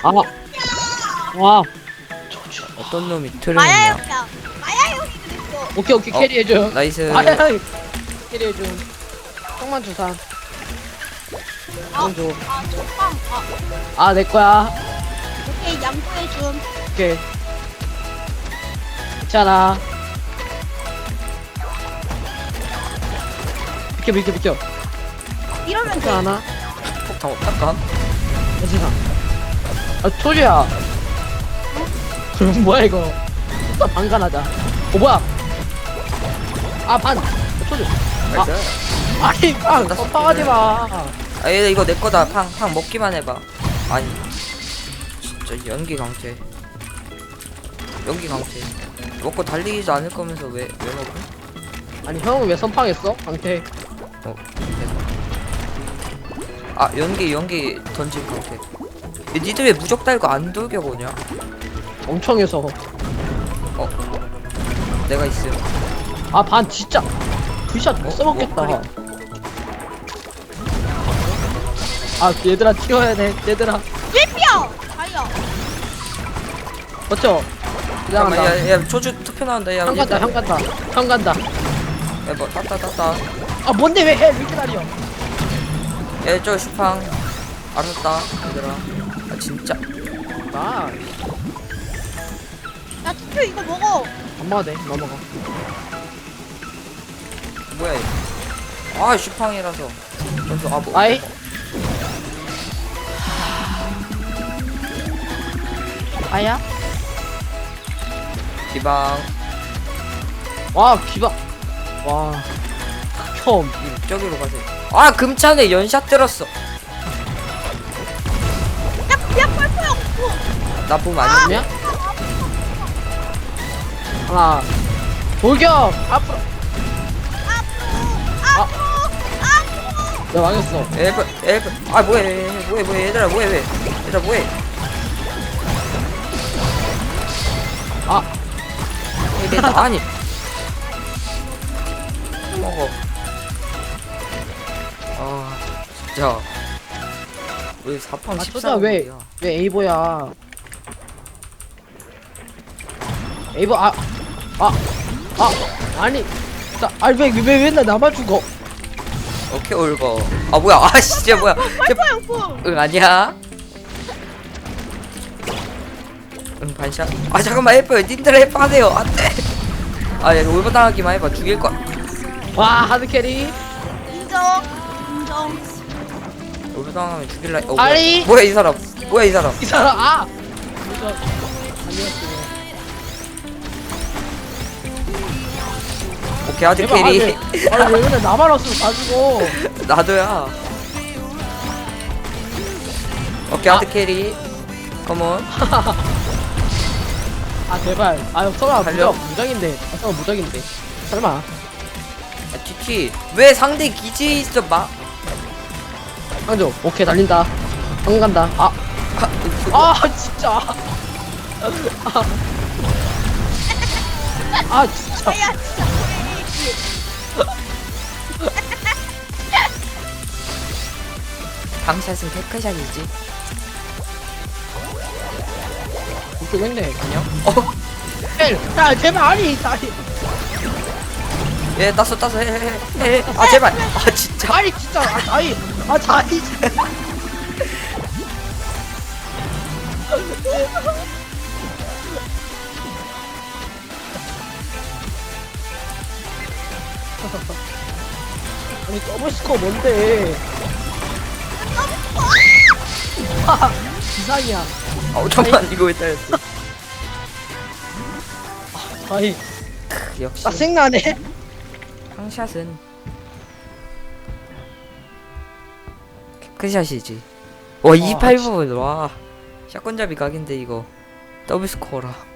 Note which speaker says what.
Speaker 1: 아, 와,
Speaker 2: 어떤 놈이
Speaker 3: 마야
Speaker 2: 트레이냐?
Speaker 3: 형이야. 마야 형이 그랬어.
Speaker 1: 오케이 오케이 캐리해줘.
Speaker 2: 나이스.
Speaker 1: 아야, 캐리해줘. 형만 주산. 형 줘.
Speaker 3: 저빵.
Speaker 1: 아, 내 거야.
Speaker 3: 오케이 양보해줌.
Speaker 1: 오케이. 괜찮아. 비켜.
Speaker 3: 이러면 돼.
Speaker 1: 괜찮아.
Speaker 2: 폭탄 어떡함?
Speaker 1: 괜찮아. 아, 초주야. 그럼 뭐야 이거? 또 반간하자. 뭐야? 아, 반. 초주.
Speaker 2: 나이스.
Speaker 1: 아니, 빵. 빵하지 마.
Speaker 2: 아, 얘 이거 내 거다. 팡 먹기만 해봐. 아니, 진짜 연기 강퇴. 연기 강퇴. 먹고 달리지도 않을 거면서 왜 먹어?
Speaker 1: 아니, 형은 왜 선빵했어? 강태.
Speaker 2: 아, 연기 던진 강퇴. 얘 니들 왜 무적 달고 안 돌겨 보냐?
Speaker 1: 엄청 해서.
Speaker 2: 내가 있음.
Speaker 1: 아, 반 진짜. 그샷 못 써먹겠다.
Speaker 2: 그래.
Speaker 1: 아, 얘들아 튀어야 돼. 얘들아.
Speaker 3: 삐삐야. 아야.
Speaker 1: 맞죠?
Speaker 2: 잠깐만,
Speaker 1: 미안하다.
Speaker 2: 야, 초주 투표 나온다. 야,
Speaker 1: 형 간다, 형 간다. 형 간다.
Speaker 2: 야, 뭐, 땄다.
Speaker 1: 아, 뭔데 왜 해? 왜 이렇게 날려?
Speaker 2: 얘, 저 슈팡. 알았다, 얘들아. 아, 진짜.
Speaker 1: 나.
Speaker 3: 야 투표 이거 먹어.
Speaker 1: 안 먹어도 돼. 넘어가.
Speaker 2: 뭐야, 이거. 아, 슈팡이라서. 먼저, 아, 뭐.
Speaker 1: 아이. 아야?
Speaker 2: 기방.
Speaker 1: 와, 기박. 와. 처음.
Speaker 2: 저기로 가세요. 아, 금찬에 연샷 들었어.
Speaker 3: 야 펄펄 없고.
Speaker 2: 나쁨 아니야?
Speaker 1: 아니야? 하나. 돌격! 앞으로. 야, 망했어.
Speaker 2: 엘프. 아, 뭐해, 얘들아, 뭐해.
Speaker 1: 아.
Speaker 2: 얘들아, 아니. 먹어. 아, 진짜. 왜 4판
Speaker 1: 아,
Speaker 2: 14야?
Speaker 1: 초자 왜 에이보야? 에이보, 아니. 아니, 왜 맨날 나만 죽어?
Speaker 2: 오케이, 올거. 아, 뭐야. 아, 진짜 뭐야.
Speaker 3: 펄펄 없고.
Speaker 2: 응, 아니야. 응, 반샷. 아, 잠깐만, 헬퍼요. 님들 헬퍼 하세요. 안 돼. 아, 야, 올버 당하기만 해봐. 죽일 거야.
Speaker 1: 와, 하드 캐리.
Speaker 3: 인정.
Speaker 2: 올버 당하면 죽일라.
Speaker 1: 아니.
Speaker 2: 뭐야, 이 사람.
Speaker 1: 이 사람, 아! 이거, 아니었어.
Speaker 2: 오케이, 아드
Speaker 1: 대박,
Speaker 2: 캐리.
Speaker 1: 아니, 왜 맨날 나만 없으면 다 죽어.
Speaker 2: 나도야. 오케이, 아드 캐리. 컴온.
Speaker 1: 아, 제발. 아, 설마
Speaker 2: 달려.
Speaker 1: 무적인데. 아, 설마 무적인데. 설마.
Speaker 2: 아, 티티. 왜 상대 기지에 있어, 마.
Speaker 1: 한조, 오케이, 달린다. 형 간다. 진짜. 진짜.
Speaker 3: 아야 진짜.
Speaker 2: 방샷은 테크샷이지.
Speaker 1: 이렇게 했네.
Speaker 2: 안녕.
Speaker 1: 야, 제발, 아니.
Speaker 2: 예, 땄어. 해. 아, 제발. 아, 진짜.
Speaker 1: 아니, 진짜. 다이. 아니, 더블 스코어 뭔데? 이상이야.
Speaker 2: 아, 잠깐만. 이거 왜 따였어?
Speaker 1: 다이.
Speaker 2: 역시.
Speaker 1: 짜증나네.
Speaker 2: 방샷은 테크샷이지. 와, 289. 와. 샷건잡이 각인데, 이거. 더블 스코어라.